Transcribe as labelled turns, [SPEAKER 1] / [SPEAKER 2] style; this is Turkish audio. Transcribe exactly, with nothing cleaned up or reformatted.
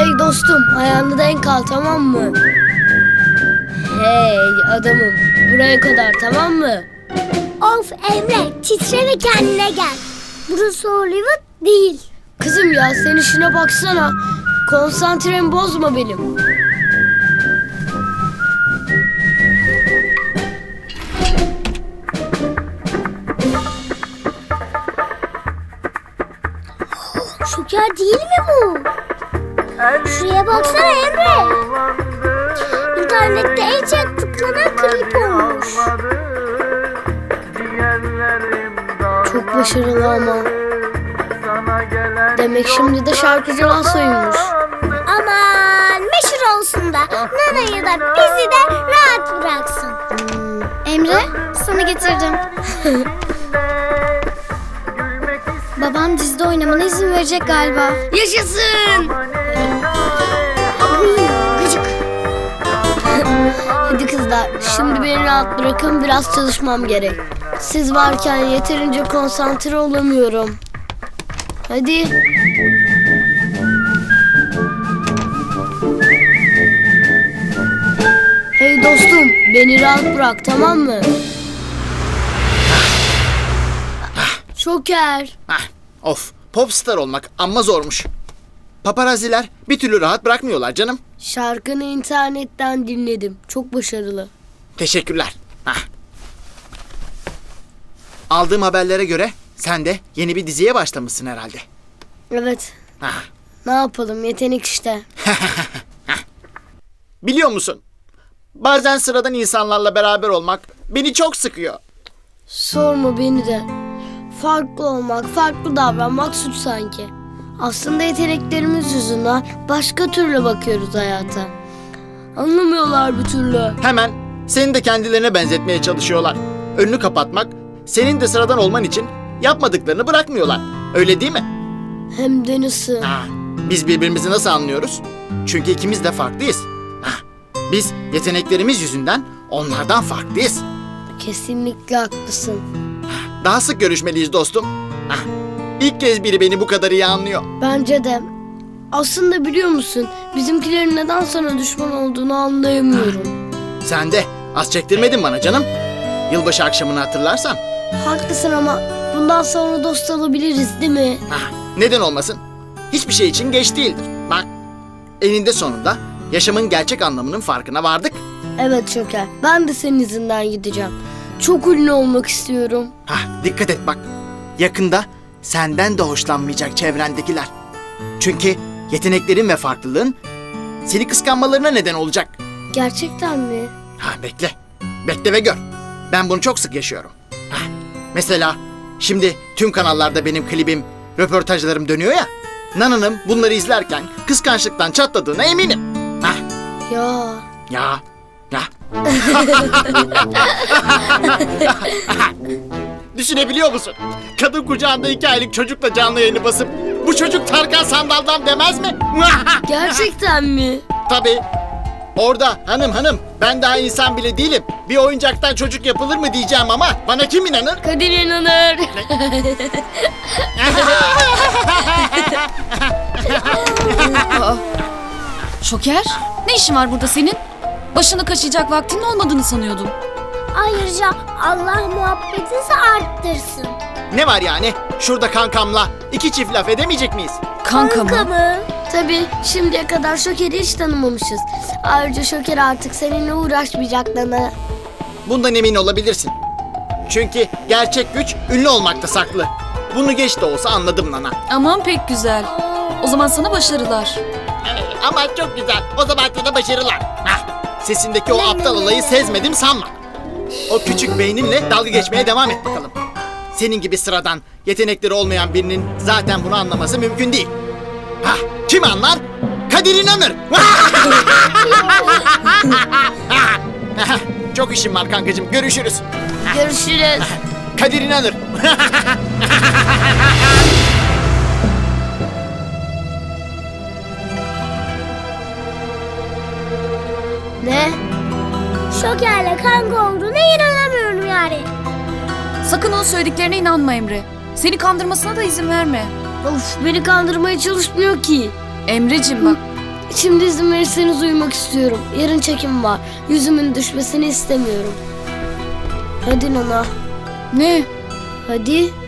[SPEAKER 1] Hey dostum, ayağını denk al, tamam mı? Hey adamım, buraya kadar, tamam mı?
[SPEAKER 2] Of Emre, titre ve kendine gel. Burası Hollywood değil.
[SPEAKER 1] Kızım ya, sen işine baksana. Konsantremi bozma benim.
[SPEAKER 2] Şoker değil mi bu? Şuraya baksana Emre. İnternette en çok tıklanan klip olmuş.
[SPEAKER 1] Çok başarılı ama. Demek şimdi de şarkıcılar soyunmuş.
[SPEAKER 2] Aman meşhur olsun da Nana'yı da bizi de rahat bıraksın. Emre, sana getirdim. Babam dizide oynamana izin verecek galiba.
[SPEAKER 1] Yaşasın!
[SPEAKER 2] Gıcık.
[SPEAKER 1] Hadi kızlar, şimdi beni rahat bırakın, biraz çalışmam gerek. Siz varken yeterince konsantre olamıyorum. Hadi. Hey dostum, beni rahat bırak, tamam mı? Şoker.
[SPEAKER 3] Hah, of, popstar olmak amma zormuş. Paparaziler bir türlü rahat bırakmıyorlar canım.
[SPEAKER 1] Şarkını internetten dinledim. Çok başarılı.
[SPEAKER 3] Teşekkürler. Hah. Aldığım haberlere göre sen de yeni bir diziye başlamışsın herhalde.
[SPEAKER 1] Evet.
[SPEAKER 3] Hah.
[SPEAKER 1] Ne yapalım? Yetenek işte.
[SPEAKER 3] Biliyor musun? Bazen sıradan insanlarla beraber olmak beni çok sıkıyor.
[SPEAKER 1] Sorma beni de. Farklı olmak, farklı davranmak suç sanki. Aslında yeteneklerimiz yüzünden başka türlü bakıyoruz hayata. Anlamıyorlar bir türlü.
[SPEAKER 3] Hemen seni de kendilerine benzetmeye çalışıyorlar. Önünü kapatmak, senin de sıradan olman için yapmadıklarını bırakmıyorlar. Öyle değil mi?
[SPEAKER 1] Hem de nasıl?
[SPEAKER 3] Ha, biz birbirimizi nasıl anlıyoruz? Çünkü ikimiz de farklıyız. Ha, biz yeteneklerimiz yüzünden onlardan farklıyız.
[SPEAKER 1] Kesinlikle haklısın.
[SPEAKER 3] Daha sık görüşmeliyiz dostum. Ha, ilk kez biri beni bu kadar iyi anlıyor.
[SPEAKER 1] Bence de. Aslında biliyor musun? Bizimkilerin neden sana düşman olduğunu anlayamıyorum.
[SPEAKER 3] Sen de az çektirmedin bana canım. Yılbaşı akşamını hatırlarsan.
[SPEAKER 1] Haklısın ama bundan sonra dost olabiliriz değil mi?
[SPEAKER 3] Ha, neden olmasın? Hiçbir şey için geç değildir. Bak, eninde sonunda yaşamın gerçek anlamının farkına vardık.
[SPEAKER 1] Evet Şoker. Ben de senin izinden gideceğim. Çok ünlü olmak istiyorum.
[SPEAKER 3] Ha, dikkat et bak. Yakında senden de hoşlanmayacak çevrendekiler. Çünkü yeteneklerin ve farklılığın seni kıskanmalarına neden olacak.
[SPEAKER 1] Gerçekten mi?
[SPEAKER 3] Ha, bekle. Bekle ve gör. Ben bunu çok sık yaşıyorum. Ha, mesela şimdi tüm kanallarda benim klibim, röportajlarım dönüyor ya. Nana'nın bunları izlerken kıskançlıktan çatladığına eminim. Ha,
[SPEAKER 1] Ya.
[SPEAKER 3] ya, ya. Düşünebiliyor musun? Kadın kucağında iki aylık çocukla canlı yayını basıp bu çocuk Tarkan Sandal'dan demez mi?
[SPEAKER 1] Gerçekten mi?
[SPEAKER 3] Tabii. Orada hanım hanım ben daha insan bile değilim. Bir oyuncaktan çocuk yapılır mı diyeceğim ama bana kim inanır?
[SPEAKER 1] Kadir inanır.
[SPEAKER 4] Şoker, ne işin var burada senin? Başını kaşıyacak vaktinin olmadığını sanıyordum.
[SPEAKER 2] Ayrıca Allah muhabbetinizi arttırsın.
[SPEAKER 3] Ne var yani? Şurada kankamla iki çift laf edemeyecek miyiz?
[SPEAKER 4] Kanka mı?
[SPEAKER 2] Kanka mı?
[SPEAKER 1] Tabii şimdiye kadar Şoker'i hiç tanımamışız. Ayrıca Şoker artık seninle uğraşmayacak Nana.
[SPEAKER 3] Bundan emin olabilirsin. Çünkü gerçek güç ünlü olmakta saklı. Bunu geç de olsa anladım Nana.
[SPEAKER 4] Aman pek güzel. O zaman sana başarılar.
[SPEAKER 3] Ama çok güzel. O zaman sana başarılar. Hah, sesindeki o aptal olayı sezmedim sanma. O küçük beyninle dalga geçmeye devam et bakalım. Senin gibi sıradan, yetenekleri olmayan birinin zaten bunu anlaması mümkün değil. Hah, kim anlar? Kadir İnanır. Çok işim var kankacığım. Görüşürüz.
[SPEAKER 1] Görüşürüz.
[SPEAKER 3] Kadir İnanır.
[SPEAKER 1] Ne?
[SPEAKER 2] Şokerle kanka olduğuna inanamıyorum yani.
[SPEAKER 4] Sakın onun söylediklerine inanma Emre. Seni kandırmasına da izin verme.
[SPEAKER 1] Of, beni kandırmaya çalışmıyor ki.
[SPEAKER 4] Emreciğim bak,
[SPEAKER 1] Şimdi izin verirseniz uyumak istiyorum. Yarın çekim var. Yüzümün düşmesini istemiyorum. Hadi Nana.
[SPEAKER 4] Ne?
[SPEAKER 1] Hadi.